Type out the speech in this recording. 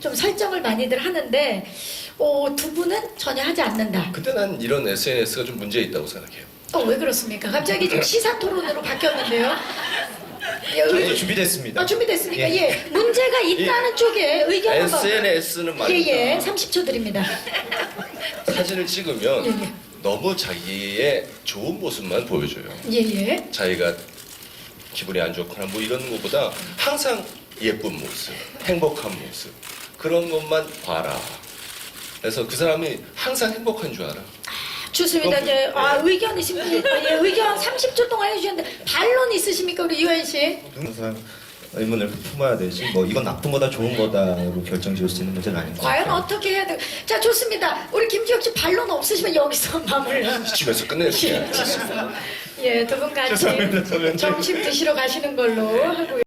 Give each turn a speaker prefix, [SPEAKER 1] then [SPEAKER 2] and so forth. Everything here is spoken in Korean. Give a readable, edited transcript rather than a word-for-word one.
[SPEAKER 1] 좀 설정을 많이들 하는데 두 분은 전혀 하지 않는다.
[SPEAKER 2] 근데 난 이런 SNS가 좀 문제 있다고 생각해요.
[SPEAKER 1] 왜 그렇습니까? 갑자기 좀 시사 토론으로 바뀌었는데요.
[SPEAKER 3] 저희 준비됐습니다.
[SPEAKER 1] 준비됐습니까?
[SPEAKER 3] 예.
[SPEAKER 1] 예. 문제가 있다는 쪽에 의견 한번.
[SPEAKER 2] SNS는 말이죠.
[SPEAKER 1] 예. 30초 드립니다.
[SPEAKER 2] 사진을 찍으면
[SPEAKER 1] 예.
[SPEAKER 2] 너무 자기의 좋은 모습만 보여줘요.
[SPEAKER 1] 예.
[SPEAKER 2] 자기가 기분이 안 좋거나 뭐 이런 것보다 항상 예쁜 모습, 행복한 모습 그런 것만 봐라. 그래서 그 사람이 항상 행복한 줄 알아.
[SPEAKER 1] 좋습니다. 이제 의견 있습니까? 예, 의견 30초 동안 해주셨는데 반론 있으십니까, 우리 유현 씨?
[SPEAKER 3] 항상 의문을 품어야 되지. 뭐 이건 나쁜 거다 좋은 거다로 결정 지을 수 있는 문제는 아닌 것
[SPEAKER 1] 과연
[SPEAKER 3] 같아요.
[SPEAKER 1] 어떻게 해야 돼? 자, 좋습니다. 우리 김지혁 씨 반론 없으시면 여기서 마무리.
[SPEAKER 2] 집에서 끝낼게요.
[SPEAKER 1] 예, 두 분 같이
[SPEAKER 3] 죄송합니다.
[SPEAKER 1] 점심 드시러 가시는 걸로 하고요.